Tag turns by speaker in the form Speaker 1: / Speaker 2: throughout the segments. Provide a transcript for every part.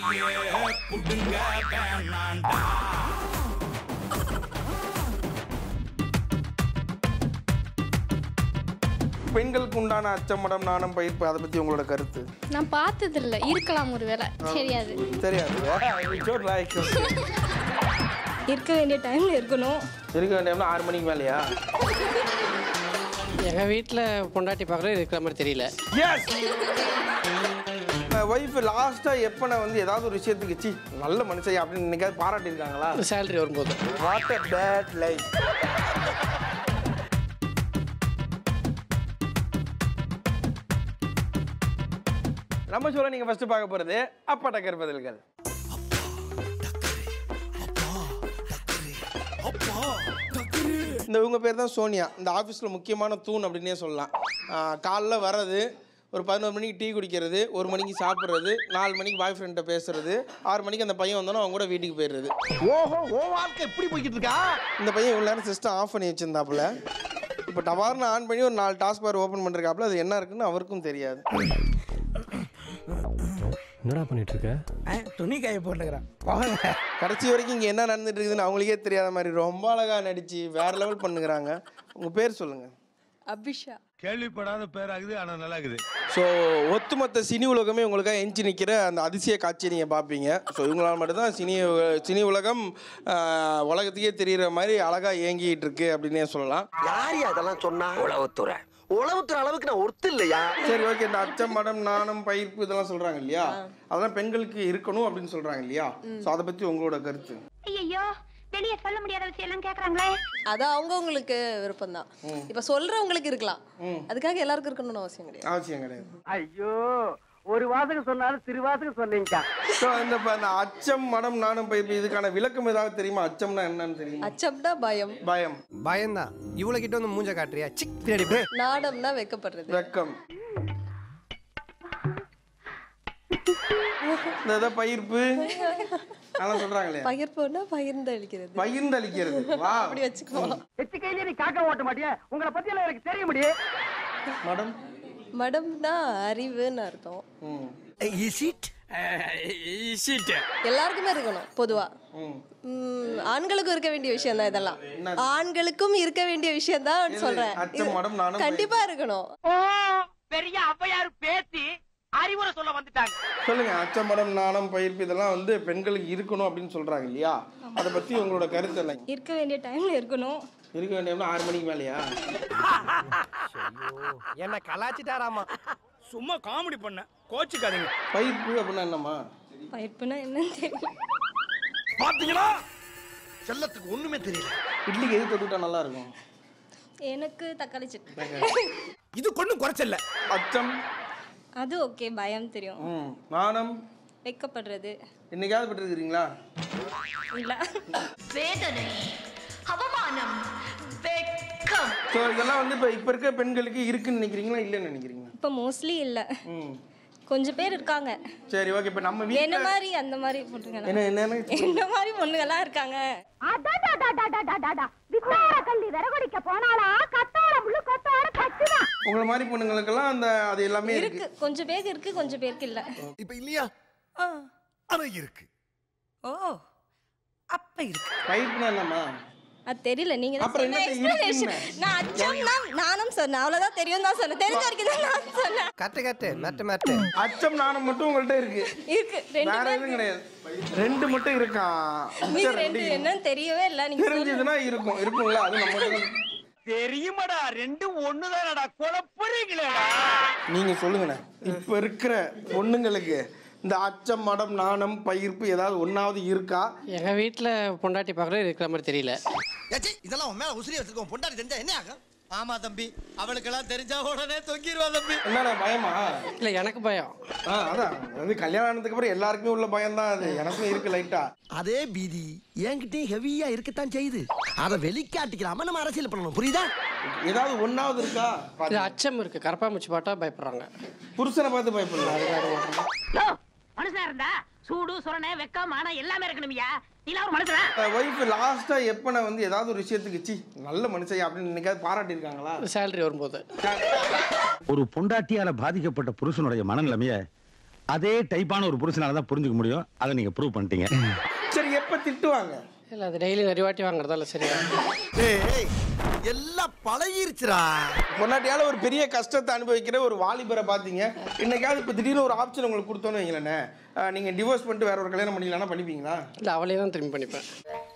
Speaker 1: பெண்களுக்கு உண்டான அச்சமடம் நாணம் பயிர்ப்பு அதை பத்தி உங்களோட கருத்து?
Speaker 2: நான் பார்த்தது இல்ல, இருக்கலாம் ஒருவேளை, தெரியாது.
Speaker 1: தெரியாது.
Speaker 2: இருக்க வேண்டிய டைம்ல இருக்கணும்.
Speaker 1: இருக்க வேண்டிய டைம்ல 6 மணிக்கு மேலையா?
Speaker 3: எங்கள் வீட்டில் பொண்டாட்டி பார்க்குறது இருக்கிற மாதிரி தெரியல.
Speaker 1: எஸ். ஒய்ஃப் லாஸ்ட்டாக எப்போ நான் வந்து ஏதாவது ஒரு விஷயத்துக்கு சி நல்ல மனுஷன் அப்படின்னு நினைக்காது பாராட்டியிருக்காங்களா?
Speaker 3: சேலரி வரும்போது.
Speaker 1: What a bad life. நம்ம சொல்ல நீங்கள் ஃபஸ்ட்டு பார்க்க போகிறது அப்பா டக்கர் பதில்கள். இந்த இவங்க பேர் தான் சோனியா. இந்த ஆஃபீஸில் முக்கியமான தூண் அப்படின்னே சொல்லலாம். காலைல வர்றது, ஒரு 11 மணிக்கு டீ குடிக்கிறது, 1 மணிக்கு சாப்பிட்றது, 4 மணிக்கு பாய் ஃப்ரெண்ட்டை பேசுறது, 6 மணிக்கு அந்த பையன் வந்தோன்னா அவங்க கூட வீட்டுக்கு போயிடுறது.
Speaker 4: ஓஹோ, ஓ வாழ்க்கை எப்படி போய்கிட்டு இருக்கா?
Speaker 1: இந்த பையன் இவ்வளோ நேரம் சிஸ்டம் ஆஃப் பண்ணி வச்சிருந்தாப்புல, இப்போ டவார்னு ஆன் பண்ணி ஒரு 4 டாஸ்க் பார் ஓப்பன் பண்ணிருக்காப்புல. அது என்ன இருக்குன்னு அவருக்கும் தெரியாது.
Speaker 5: என்னடா பண்ணிட்டு இருக்க?
Speaker 4: துணி காய போட்டுக்கிறான்.
Speaker 1: கடைசி வரைக்கும் இங்கே என்ன நடந்துட்டு இருக்குதுன்னு அவங்களுக்கே தெரியாத மாதிரி ரொம்ப அழகாக நடிச்சு வேற லெவல் பண்ணுகிறாங்க. உங்கள் பேர் சொல்லுங்கள்.
Speaker 6: அபிஷா.
Speaker 7: கேள்விப்படாத பேராகுது, ஆனால் நல்லா இருக்குது.
Speaker 1: ஸோ ஒத்துமொத்த சினி உலகமே உங்களுக்காக எஞ்சி நிற்கிற அந்த அதிசய காட்சியை நீங்கள் பார்ப்பீங்க. ஸோ இவங்களால் மட்டும்தான் சினி உலகம் உலகத்துக்கே தெரிகிற மாதிரி அழகாக இயங்கிட்டு இருக்கு அப்படின்னே சொல்லலாம்.
Speaker 4: யார் அதெல்லாம் சொன்னா? உளவுத்துறை அளவுக்கு நான் ஒருத்து இல்லையா?
Speaker 1: சரி, ஓகே. இந்த அச்சம், மடம், நாணம், பயிர்ப்பு இதெல்லாம் சொல்கிறாங்க இல்லையா, அதெல்லாம் பெண்களுக்கு இருக்கணும் அப்படின்னு சொல்கிறாங்க இல்லையா? ஸோ அதை பற்றி உங்களோட கருத்து?
Speaker 8: ஐயோ, வெளியே சொல்ல முடியாத விஷயம் எல்லாம் கேக்குறாங்களே.
Speaker 6: அது அவங்கவுங்களுக்கு விருப்பம் தான். இப்ப சொல்றவங்களுக்கு இருக்கலாம், அதுக்காக எல்லாருக்கும் இருக்கணும்னு அவசியம் கிடையாது.
Speaker 1: அவசியம் கிடையாது.
Speaker 4: ஐயோ, ஒரு வாசகம் சொன்னாலும் திருவாசகம் சொன்னீங்க.
Speaker 1: ஸோ இந்த அச்சம், மடம், நாணம், பயிர்ப்பு இதுக்கான விளக்கம் ஏதாவது தெரியுமா? அச்சம்னா என்னன்னு தெரியுமா?
Speaker 6: அச்சம்னா பயம்.
Speaker 1: பயம்.
Speaker 5: பயம்தான். இவ்வளவு கிட்ட வந்து மூஞ்ச காட்டுறியா? சிக் பின்னாடி.
Speaker 6: நாடம்னா வெக்கப்படுறது.
Speaker 1: வெக்கம். இந்த பயிர்ப்பு அதெல்லாம் சொல்றாங்களே.
Speaker 6: பகிர்ப்புன்னா பகிர்ந்தளிக்கிறது.
Speaker 1: பகிர்ந்தளிக்கிறது. வா,
Speaker 6: அப்படி வச்சுக்கோ.
Speaker 4: எச்சு கையில நீ காக்க ஓட்ட மாட்டியா? உங்களை பத்தி எல்லாம் எனக்கு தெரிய முடியும்.
Speaker 1: மடம்.
Speaker 6: மடம்னா அறிவுன்னு அர்த்தம். எல்லாருக்குமே இருக்கணும் பொதுவா. ஆண்களுக்கும் இருக்க வேண்டிய விஷயம் தான் இதெல்லாம். ஆண்களுக்கும் இருக்க வேண்டிய விஷயம் தான் சொல்றேன். கண்டிப்பா இருக்கணும்.
Speaker 4: பெரிய அவ்வையார் பேசி அறிவுரை சொல்ல வந்துட்டாங்க.
Speaker 1: சொல்லுங்க. அச்சம், மடம், நாணம், பயிர்ப்பு இதெல்லாம் வந்து பெண்களுக்கு இருக்கணும் அப்படின்னு சொல்றாங்க இல்லையா? அதை பத்தி உங்களோட கருத்து என்ன?
Speaker 2: இருக்க வேண்டிய டைம்ல இருக்கணும்.
Speaker 1: இருக்க வேண்டிய 6 மணிக்கு மேலையா?
Speaker 5: என்ன கலாச்சிட்டாராமா?
Speaker 7: சும்மா காமெடி பண்ண, கோச்சுக்காதீங்க.
Speaker 1: பயிர்ப்பு அப்படின்னா என்னம்மா?
Speaker 2: பயிர்ப்புனா என்னன்னு தெரியல.
Speaker 7: பாத்தீங்களா,
Speaker 4: செல்லத்துக்கு ஒண்ணுமே தெரியல.
Speaker 1: இட்லிக்கு எது தொட்டுட்டா நல்லா இருக்கும்?
Speaker 2: எனக்கு தக்காளி சட்னி.
Speaker 7: இது கொண்டும் குறைச்சல்ல.
Speaker 1: அச்சம்
Speaker 2: அது ஓகே, பயம் தெரியும்.
Speaker 1: நாணம்
Speaker 2: வெக்கப்படுறது.
Speaker 1: என்னைக்காவது பட்டிருக்கிறீங்களா?
Speaker 2: இல்ல.
Speaker 8: வேதனை, அவமானம், வெக்கம்.
Speaker 1: ஸோ இதெல்லாம் வந்து இப்போ இருக்க பெண்களுக்கு இருக்குன்னு நினைக்கிறீங்களா இல்லைன்னு நினைக்கிறீங்களா?
Speaker 2: இப்போ மோஸ்ட்லி இல்ல, கொஞ்சம் பேர் இருக்காங்க.
Speaker 1: சரி, ஓகே. இப்போ நம்ம வீட்ல
Speaker 2: என்ன மாதிரி அந்த மாதிரி பொண்ணுங்க, என்ன மாதிரி பொண்ணுங்கலாம் இருக்காங்க.
Speaker 8: கள்ளி விறகுடிக்க போனாலா கத்தாழ முள்ளு கொத்தாழ கச்சுதான்.
Speaker 1: உங்களை மாதிரி பொண்ணுங்களுக்கெல்லாம் அந்த அது எல்லாமே
Speaker 2: இருக்கு. கொஞ்சம் பேருக்கு இருக்கு, கொஞ்சம் பேருக்கு இல்ல.
Speaker 7: இப்ப இல்லையா? ஆனா இருக்கு.
Speaker 6: ஓ, அப்ப இருக்கு.
Speaker 1: பயிர்ப்புனா என்னம்மா?
Speaker 2: அது தெரியல. நீங்க தான்
Speaker 1: அப்புறம்
Speaker 2: சொன்ன
Speaker 1: என்ன
Speaker 2: எக்ஸ்பிளனேஷன்.
Speaker 1: இருக்குன்னு?
Speaker 2: நான் அச்சம்னா நானும் சொன்னேன், அவ்வளவுதான் தெரியும் தான் சொன்னேன். தெரிஞ்ச வரைக்கும் தான் நான் சொன்னேன்.
Speaker 5: கட்டு மேட்டு.
Speaker 1: அச்சம், நாணம் மட்டும் உங்கள்ட்ட இருக்கு.
Speaker 2: இருக்கு. ரெண்டு
Speaker 1: வேற எதுவும் கிடையாது. 2 மட்டும் இருக்கா?
Speaker 2: நீங்க 2 என்னன்னு தெரியவே இல்ல. நீங்க
Speaker 1: தெரிஞ்சதுன்னா இருக்கும்ல. அது நம்ம
Speaker 4: தெரியுமாடா, 2 ஒண்ணுதானடா, குழப்பறீங்களேடா.
Speaker 1: நீங்க சொல்லுங்கண்ணே. இப்ப இருக்கிற பொண்ணுங்களுக்கு இந்த அச்சம், மடம், நாணம், பயிர்ப்பு ஏதாவது ஒன்னாவது இருக்கா?
Speaker 3: எங்கள் வீட்டில் பொண்டாட்டி பார்க்குறது இருக்கிற மாதிரி தெரியல.
Speaker 4: இதெல்லாம் உன் மேல உசிரி வச்சிருக்கோம். பொண்டாட்டி தெரிஞ்சா என்ன ஆகும்? ஆமா தம்பி, அவளுக்கெல்லாம் தெரிஞ்சா உடனே தொங்கிடுவா தம்பி.
Speaker 1: என்னடா பயமா?
Speaker 3: இல்லை, எனக்கு பயம்.
Speaker 1: அதான் அது கல்யாணம் ஆனதுக்கு அப்புறம் எல்லாருக்குமே உள்ள பயம் தான். அது எனக்கும் இருக்கு லைட்டா.
Speaker 4: அதே பீதி என்கிட்டயும் ஹெவியா இருக்கத்தான் செய்யுது. அதை வெளிக்காட்டிக்கலாம நம்ம அரசியல் பண்ணணும், புரியுதா?
Speaker 1: ஏதாவது ஒன்னாவது இருக்கா?
Speaker 3: இது அச்சம் இருக்கு. கரப்பாம்பூச்சி பாட்டா பயப்படுறாங்க.
Speaker 1: புருஷனை பார்த்து பயப்படலாம்.
Speaker 8: மனுஷனா இருந்தா சூடு சொரணை வெக்கம் ஆனா எல்லாமே இருக்கணும்யா. நீ ஒரு மனுஷனா?
Speaker 1: ஒய்ஃப் லாஸ்டா எப்ப நான் வந்து ஏதாவது ஒரு விஷயத்துக்கு சி நல்ல மனுஷன் அப்படின்னு நினைக்காது பாராட்டியிருக்காங்களா?
Speaker 3: சேலரி வரும்போது.
Speaker 9: ஒரு பொண்டாட்டியால பாதிக்கப்பட்ட புருஷனுடைய மனநிலைமைய அதே டைப்பான ஒரு புருஷனால தான் புரிஞ்சுக்க முடியும். அதை நீங்க ப்ரூவ் பண்ணிட்டீங்க.
Speaker 1: சரி, எப்போ திட்டுவாங்க?
Speaker 3: இல்லை அது டெய்லி நிறைய வாட்டி வாங்குறதால சரியா.
Speaker 4: ஏய் எல்லாம் பழகிருச்சுடா.
Speaker 1: பொண்டாட்டியால ஒரு பெரிய கஷ்டத்தை அனுபவிக்கிற ஒரு வாலிபரை பார்த்தீங்க. இன்னைக்காவது இப்போ திடீர்னு ஒரு ஆப்ஷன் உங்களுக்கு கொடுத்தோன்னு வைங்களேண்ணே, நீங்கள் டிவோர்ஸ் பண்ணிட்டு வேற ஒரு கல்யாணம் பண்ணிக்கலாம்னா பண்ணிப்பீங்களா?
Speaker 3: இல்லை அவளே தான் திரும்பி பண்ணிப்பேன்.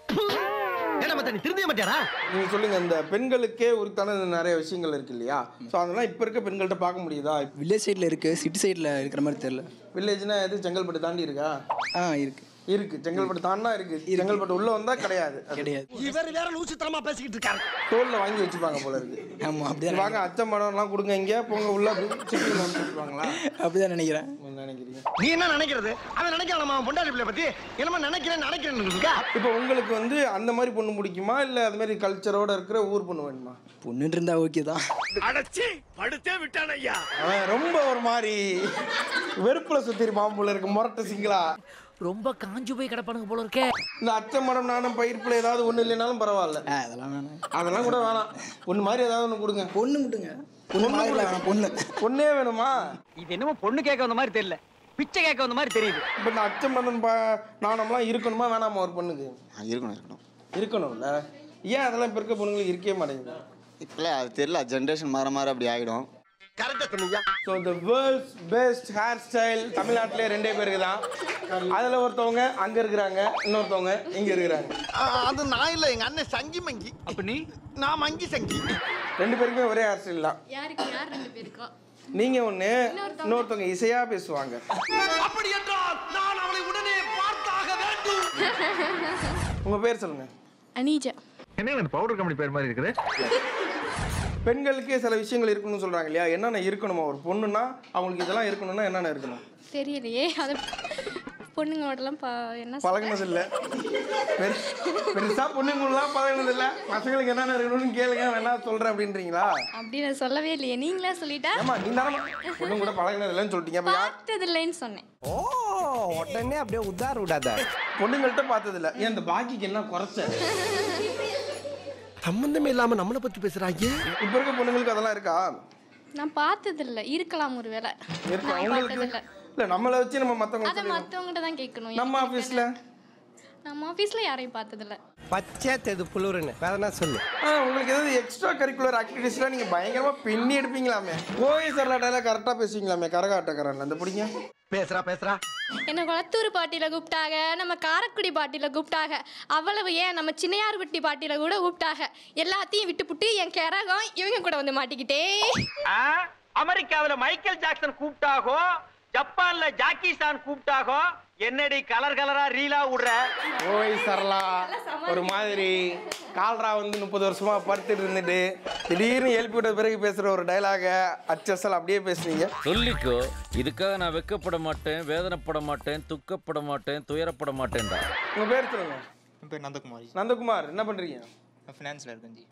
Speaker 4: நீ திரும்பிய மாட்டியாரா?
Speaker 1: நீங்கள் சொல்லுங்கள், இந்த பெண்களுக்கே உரித்தான நிறைய விஷயங்கள் இருக்கு இல்லையா? ஸோ அதெல்லாம் இப்போ இருக்க பெண்கள்கிட்ட பார்க்க முடியுதா?
Speaker 10: வில்லேஜ் சைடில் இருக்குது, சிட்டி சைடில் இருக்கிற மாதிரி தெரியல.
Speaker 1: வில்லேஜ்னா எது? செங்கல்பட்டு தாண்டி இருக்கா?
Speaker 10: இருக்குது
Speaker 1: இருக்கு. செங்கல்பட்டு தாண்டா இருக்கு. செங்கல்பட்டு உள்ள வந்தா கிடையாது.
Speaker 4: இவர் வேற லூசுத்தனமா பேசிக்கிட்டு இருக்காரு.
Speaker 1: தோல்ல வாங்கி வச்சுப்பாங்க போல இருக்கு.
Speaker 10: ஆமா, அப்படிதான்.
Speaker 1: வாங்க அச்சம் பணம்லாம் கொடுங்க, இங்கே போங்க உள்ள சிட்டியில் வந்து வச்சுருவாங்களா?
Speaker 10: அப்படிதான் நினைக்கிறேன்.
Speaker 1: நினைக்கிறீங்க?
Speaker 4: நீ என்ன நினைக்கிறது? அவன் நினைக்கலாம் அவன் பொண்டாட்டி பிள்ளை பத்தி என்னமா நினைக்கிறேன்னு.
Speaker 1: இப்போ உங்களுக்கு வந்து அந்த மாதிரி பொண்ணு பிடிக்குமா, இல்லை அது மாதிரி கல்ச்சரோட இருக்கிற ஊர் பொண்ணு வேணுமா?
Speaker 10: பொண்ணுன்னு இருந்தா ஓகே தான்.
Speaker 7: அடச்சி படுத்தே விட்டான் ஐயா.
Speaker 1: அவன் ரொம்ப ஒரு மாதிரி வெறுப்புல சுத்திருப்பான் போல இருக்கு, முரட்ட சிங்களா.
Speaker 8: ரொம்ப காஞ்சு போய் கிடப்பானுங்க போல இருக்கே.
Speaker 1: இந்த அச்சம் மடம் நானும் பயிர்ப்புல ஏதாவது ஒண்ணு இல்லைனாலும் பரவாயில்ல.
Speaker 10: அதெல்லாம் வேணாம்.
Speaker 1: அதெல்லாம் கூட வேணாம். ஒண்ணு மாதிரி ஏதாவது ஒண்ணு கொடுங்க.
Speaker 10: பொண்ணு மட்டுங்க. பொண்ணு மாதிரி வேணாம்.
Speaker 1: பொண்ணே வேணுமா?
Speaker 8: இது என்னமோ பொண்ணு கேட்க வந்த மாதிரி தெரியல, பிச்சை கேட்க வந்த மாதிரி தெரியுது.
Speaker 1: இப்போ இந்த அச்சம் மதம் நாணம்லாம் இருக்கணுமா வேணாமா ஒரு பொண்ணுக்கு? இருக்கணும்ல. ஏன் அதெல்லாம் இப்போ இருக்க பொண்ணுங்களுக்கு இருக்கவே மாட்டேங்குது?
Speaker 11: இப்போ அது தெரியல, ஜென்ரேஷன் மாற அப்படி ஆகிடும்.
Speaker 1: So the world's best hairstyle தமிழ்நாட்டிலே 2 பேருக்கு தான். அதில் ஒருத்தவங்க அங்கே இருக்கிறாங்க, இன்னொருத்தவங்க இங்கே இருக்கிறாங்க.
Speaker 4: அது நான் இல்லை, எங்கள் அண்ணன் சங்கி மங்கி. அப்ப நீ? நான் மங்கி சங்கி.
Speaker 1: 2 பேருக்குமே ஒரே ஹேர் ஸ்டைல் தான்.
Speaker 2: யாருக்கு யார் 2 பேருக்கா?
Speaker 1: நீங்கள் ஒன்று, இன்னொருத்தவங்க இசையாக பேசுவாங்க.
Speaker 4: அப்படி என்றால் நான் அவளை உடனே பார்த்தாக வேண்டும்.
Speaker 1: உங்கள் பேர் சொல்லுங்கள்.
Speaker 2: அனீஜா.
Speaker 9: என்ன பவுடர் கம்பெனி பேர் மாதிரி இருக்குது?
Speaker 1: பெண்களுக்கே சில விஷயங்கள் இருக்கணும்னு சொல்கிறாங்க இல்லையா? என்னென்ன இருக்கணுமா? ஒரு பொண்ணுன்னா அவங்களுக்கு இதெல்லாம் இருக்கணும்னா என்னென்ன இருக்கணும்?
Speaker 2: தெரியலையே, அது பொண்ணுங்களோடலாம் என்ன
Speaker 1: பழகினது இல்லை. பெருசாக பொண்ணுங்களாம் பழகினது இல்லை. பசங்களுக்கு என்னென்ன இருக்கணும்னு கேளுங்க, வேணா சொல்கிறேன் அப்படின்றீங்களா?
Speaker 2: அப்படி நான் சொல்லவே இல்லையே, நீங்களே சொல்லிட்டா.
Speaker 1: ஆமா, நீ தானே பொண்ணு கூட பழகினது இல்லைன்னு சொல்லிட்டீங்க. அப்போ
Speaker 2: பார்த்தது இல்லைன்னு சொன்னேன்.
Speaker 5: ஓ, உடனே அப்படியே உதார விடாத.
Speaker 1: பொண்ணுங்கள்ட்ட பார்த்தது இல்லை. ஏன் இந்த பாக்கிக்கு என்ன குறைச்ச?
Speaker 4: சம்பந்தமே இல்லாம நம்மளை பத்தி பேசுறாங்க.
Speaker 1: இப்போ இருக்க பொண்ணுங்களுக்கு அதெல்லாம் இருக்கா?
Speaker 2: நான் பார்த்தது இல்லை, இருக்கலாம் ஒருவேளை.
Speaker 1: இருக்கா உங்களுக்கு? இல்லை, நம்மளை வச்சு நம்ம
Speaker 2: அதை மற்றவங்ககிட்ட தான் கேட்கணும்.
Speaker 1: நம்ம ஆஃபீஸில்
Speaker 2: யாரையும் பார்த்ததில்ல.
Speaker 5: பச்சை தெது புளுருன்னு வேற என்ன சொல்லு.
Speaker 1: உங்களுக்கு ஏதாவது எக்ஸ்ட்ரா கரிக்குலர் ஆக்டிவிட்டீஸ்லாம் நீங்கள் பயங்கரமாக பின்னி எடுப்பீங்களாமே. கோவை சரலாட்டால கரெக்டாக பேசுவீங்களாமே. கரகாட்டக்காரன் அந்த பிடிங்க.
Speaker 4: பேசுறா
Speaker 2: என்ன குளத்தூர் பாட்டியில் கூப்பிட்டாங்க, நம்ம காரைக்குடி பாட்டியில் கூப்பிட்டாங்க, அவ்வளவு ஏன் நம்ம சின்னையார்பட்டி பாட்டியில் கூட கூப்பிட்டாங்க. எல்லாத்தையும் விட்டுப்புட்டு என் கரகம் இவங்க கூட வந்து மாட்டிக்கிட்டே.
Speaker 8: அமெரிக்காவில் மைக்கேல் ஜாக்சன் கூப்பிட்டாகோ, ஜப்பான்ல ஜாக்கி சான் கூப்பிட்டாகோ, என்னடி கலர் கலரா ரீலா விடுற.
Speaker 1: கோவை சரலா ஒரு மாதிரி கால்ரா வந்து 30 வருஷமா படுத்துட்டு இருந்துட்டு திடீர்னு எழுப்பி விட்ட பிறகு பேசுற ஒரு டைலாக அச்சசல் அப்படியே பேசுறீங்க.
Speaker 12: சொல்லிக்கோ, இதுக்காக நான் வெக்கப்பட மாட்டேன், வேதனைப்பட மாட்டேன், துக்கப்பட மாட்டேன், துயரப்பட மாட்டேன்டா.
Speaker 1: உங்க பேர் சொல்லுங்க.
Speaker 13: என் பேர் நந்தகுமாரி.
Speaker 1: நந்தகுமார், என்ன பண்றீங்க?
Speaker 13: நான் ஃபினான்ஸ்ல இருக்கேன் ஜி.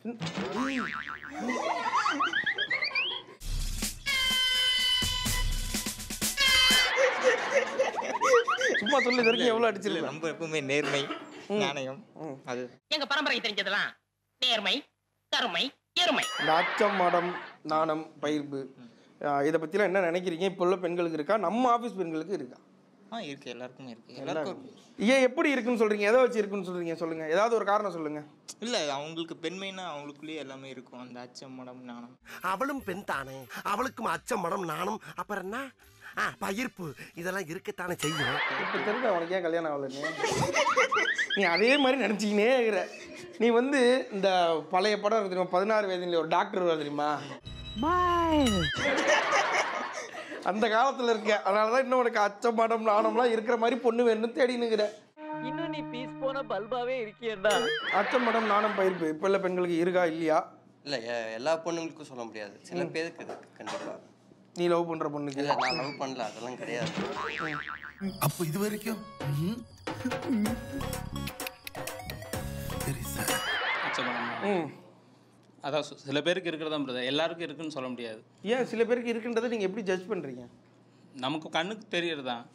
Speaker 1: சும்மா சொல்லி வரைக்கும் எவ்வளவு அடிச்சிருக்கேன்.
Speaker 13: நம்ம எப்பவுமே நேர்மை, நாணயம், அது
Speaker 8: எங்க பரம்பரை தெரிஞ்சதெல்லாம் நேர்மை, கருமை, எருமை.
Speaker 1: இந்த அச்சம், மடம், நாணம், பயிர்ப்பு, இதை பத்திலாம் என்ன நினைக்கிறீங்க? இப்போ உள்ள பெண்களுக்கு இருக்கா? நம்ம ஆஃபீஸ் பெண்களுக்கு இருக்கா?
Speaker 13: இருக்கு, எல்லாருக்குமே இருக்கு. எல்லாருக்கும்
Speaker 1: ஏன் எப்படி இருக்குன்னு சொல்றீங்க? எதை வச்சு இருக்குன்னு சொல்றீங்க? சொல்லுங்க, ஏதாவது ஒரு காரணம் சொல்லுங்க.
Speaker 13: இல்ல, அவங்களுக்கு பெண்மைனா அவங்களுக்குள்ளேயே எல்லாமே இருக்கும். அந்த அச்சம், மடம், நாணம்.
Speaker 4: அவளும் பெண் தானே, அவளுக்கும் அச்சம், மடம், நாணம், அப்புறம் என்ன பயிர்ப்பு, இதெல்லாம் இருக்கத்தானே செய்யும்.
Speaker 1: இப்போ தெரிஞ்ச உனக்கு ஏன் கல்யாணம் ஆகலன்னு நீ அதே மாதிரி நினச்சிக்கினே இருக்கிற. நீ வந்து இந்த பழைய படம் இருக்கு தெரியுமா, 16 வயதுல ஒரு டாக்டர் வர தெரியுமா? அந்த காலத்தில் இருக்க. அதனால தான் இன்னும் உனக்கு அச்சம், மடம், நாணம்லாம் இருக்கிற மாதிரி பொண்ணு வேணும்னு தேடினுங்கிற.
Speaker 8: இன்னும் நீ பீஸ் போன பல்பாவே இருக்கியேடா.
Speaker 1: அச்சம், மடம், நாணம், பயிர்ப்பு இப்போ உள்ள பெண்களுக்கு இருக்கா இல்லையா?
Speaker 14: இல்லை, எல்லா பொண்ணுங்களுக்கும் சொல்ல முடியாது. சில பேருக்கு இருக்கு கண்டிப்பாக.
Speaker 1: நீ லவ் பண்ற பொண்ணுக்கு?
Speaker 14: இல்லை, நான் லவ் பண்ணல, அதெல்லாம் கிடையாது.
Speaker 7: அப்போ இது வரைக்கும்
Speaker 15: அதான் சில பேருக்கு இருக்கிறதா பிரதர், எல்லாருக்கும் இருக்குன்னு சொல்ல முடியாது.
Speaker 1: ஏன் சில பேருக்கு இருக்குன்றதை நீங்கள் எப்படி ஜட்ஜ் பண்ணுறீங்க?
Speaker 15: நமக்கு கண்ணுக்கு தெரியறதா.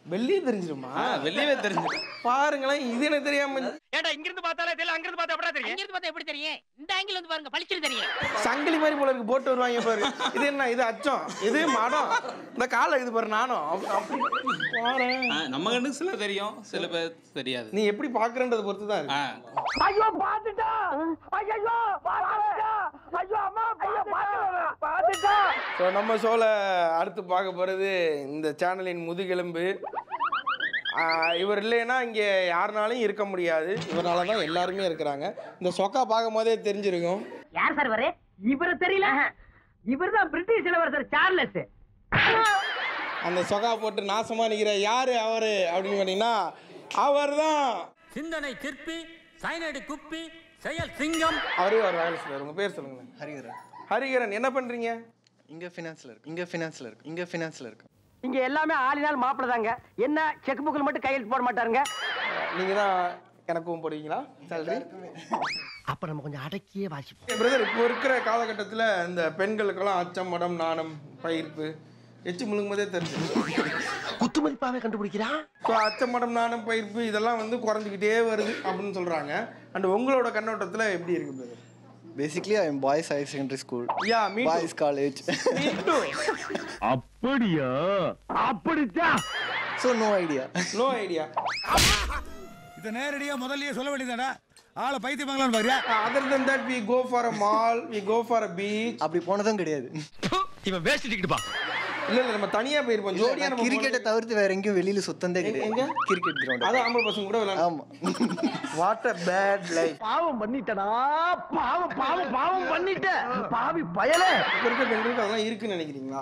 Speaker 1: வெளியே தெரிஞ்சிருமா?
Speaker 15: வெளியவே தெரிஞ்சு.
Speaker 1: பாருங்களேன், இது எனக்கு தெரியாம.
Speaker 8: ஏண்டா இங்க இருந்து பார்த்தாலே தெரியல, அங்க இருந்து பார்த்தா எப்படா தெரியும்?
Speaker 16: இங்க இருந்து பார்த்தா எப்படி தெரியும்? இந்த ஆங்கிள் வந்து பாருங்க, பளிச்சுன்னு தெரியும்.
Speaker 1: சங்கிலி மாதிரி போல இருக்கு, போட்டு வருவாங்க பாரு. இது என்ன? இது அச்சம், இது மடம். இந்த காலை இது பாரு, நானும்
Speaker 15: நம்ம கண்ணுக்கு சில தெரியும், சில பேர் தெரியாது.
Speaker 1: நீ எப்படி பாக்குறன்றத பொறுத்து தான் இருக்கு.
Speaker 8: ஐயோ பாத்துட்டா, ஐயோ பாத்துட்டா, ஐயோ அம்மா பாத்துட்டா.
Speaker 1: ஸோ நம்ம ஷோல அடுத்து பார்க்க போறது இந்த சேனலின் முதுகெலும்பு. இவர் இல்லைன்னா இங்கே யாருனாலும் இருக்க முடியாது. இவரால தான் எல்லாருமே இருக்கிறாங்க. இந்த சொக்கா பார்க்கும் போதே தெரிஞ்சிருக்கும்.
Speaker 8: யார் சார் இவரு? இவரு தெரியல. இவர் தான் பிரிட்டிஷ் இளவரசர் சார்லஸ்.
Speaker 1: அந்த சொக்கா போட்டு நாசமா நிக்கிற யாரு அவரு அப்படின்னு கேட்டீங்கன்னா அவர் தான்
Speaker 17: சிந்தனை சிற்பி, சைனடி குப்பி, செயல் சிங்கம்.
Speaker 1: அவரே ஒரு வேலை சொல்லுவார். உங்க பேர் சொல்லுங்களேன்.
Speaker 5: ஹரிகரன்.
Speaker 1: ஹரிகரன், என்ன பண்றீங்க?
Speaker 5: இங்க ஃபினான்ஸ்ல இருக்கு.
Speaker 8: இங்க எல்லாமே ஆளினால் மாப்பிளதாங்க. என்ன செக் புக்கில் மட்டும் கையெழுத்து போட மாட்டாருங்க.
Speaker 1: நீங்க தான் எனக்கும் போடுவீங்களா சேலரி?
Speaker 4: அப்ப நம்ம கொஞ்சம் அடக்கியே வாசிப்போம்.
Speaker 1: பிரதர், இப்போ இருக்கிற காலகட்டத்தில் இந்த பெண்களுக்கெல்லாம் அச்சம், மடம், நாணம், பயிர்ப்பு எச்சு முழுங்கும் போதே தெரிஞ்சு
Speaker 4: குத்து மதிப்பாவே கண்டுபிடிக்கிறா.
Speaker 1: ஸோ அச்சம், மடம், நாணம், பயிர்ப்பு இதெல்லாம் வந்து குறைஞ்சிக்கிட்டே வருது அப்படின்னு சொல்றாங்க. அண்ட் உங்களோட கண்ணோட்டத்தில் எப்படி இருக்கு brother?
Speaker 5: Basically, I am boys higher secondary school.
Speaker 1: Yeah, me too.
Speaker 5: Boys college.
Speaker 1: Me too.
Speaker 7: அப்படியா?
Speaker 8: அப்படிச்சா?
Speaker 5: So no idea.
Speaker 1: No idea.
Speaker 7: இத நேரடியா முதல்லயே சொல்ல வேண்டியதாடா. ஆள பைத்தியமாங்களான்னு பாரியா?
Speaker 1: Other than that, we go for a mall, we go for a beach.
Speaker 5: அப்படி போனதும் கிடையாது.
Speaker 7: இவன் வேஸ்ட் டிக்கெட் பா.
Speaker 1: இல்ல நம்ம தனியா போயிருப்போம். ஜோடியா நம்ம
Speaker 5: கிரிக்கெட்டை தவிர்த்து வேற எங்கேயும் வெளியில சுத்தந்தே கிடையாது. Cricket ground.
Speaker 1: அது ஆம்பளை பசங்க கூட விளையாடு.
Speaker 5: ஆமா.
Speaker 1: What a bad life.
Speaker 8: பாவம் பண்ணிட்டடா. பாவம் பண்ணிட்ட. பாவி பயலே.
Speaker 1: இருக்க பெண்களுக்கு அதெல்லாம் இருக்குன்னு நினைக்கிறீங்களா?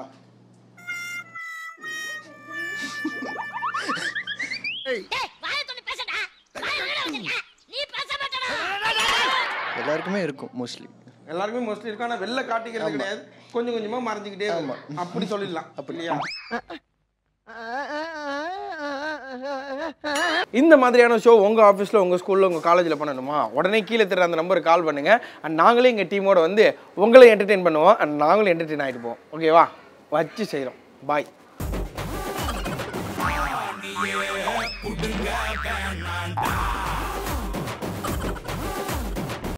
Speaker 16: டேய் வாயை தொட்டு பேசடா. வாயை எங்கடா வச்சிருக்க? நீ பேச மாட்டடா.
Speaker 5: எல்லாருக்குமே இருக்கும் மோஸ்ட்லி.
Speaker 1: எல்லாருமே மோஸ்ட்லி இருக்கும். ஆனால் வெளில காட்டிக்கிறது கிடையாது. கொஞ்சம் கொஞ்சமா மறைஞ்சிக்கிட்டே இருக்கும். அப்படி சொல்லிடலாம். அப்படியா? இந்த மாதிரியான ஷோ உங்கள் ஆஃபீஸில், உங்கள் ஸ்கூலில், உங்கள் காலேஜில் பண்ணணுமா? உடனே கீழே தர அந்த நம்பருக்கு கால் பண்ணுங்கள். அண்ட் நாங்களே எங்கள் டீமோட வந்து உங்களை என்டர்டெயின் பண்ணுவோம். அண்ட் நாங்களும் என்டர்டெயின் ஆகிட்டு போவோம். ஓகேவா? வச்சு செய்கிறோம். பாய்.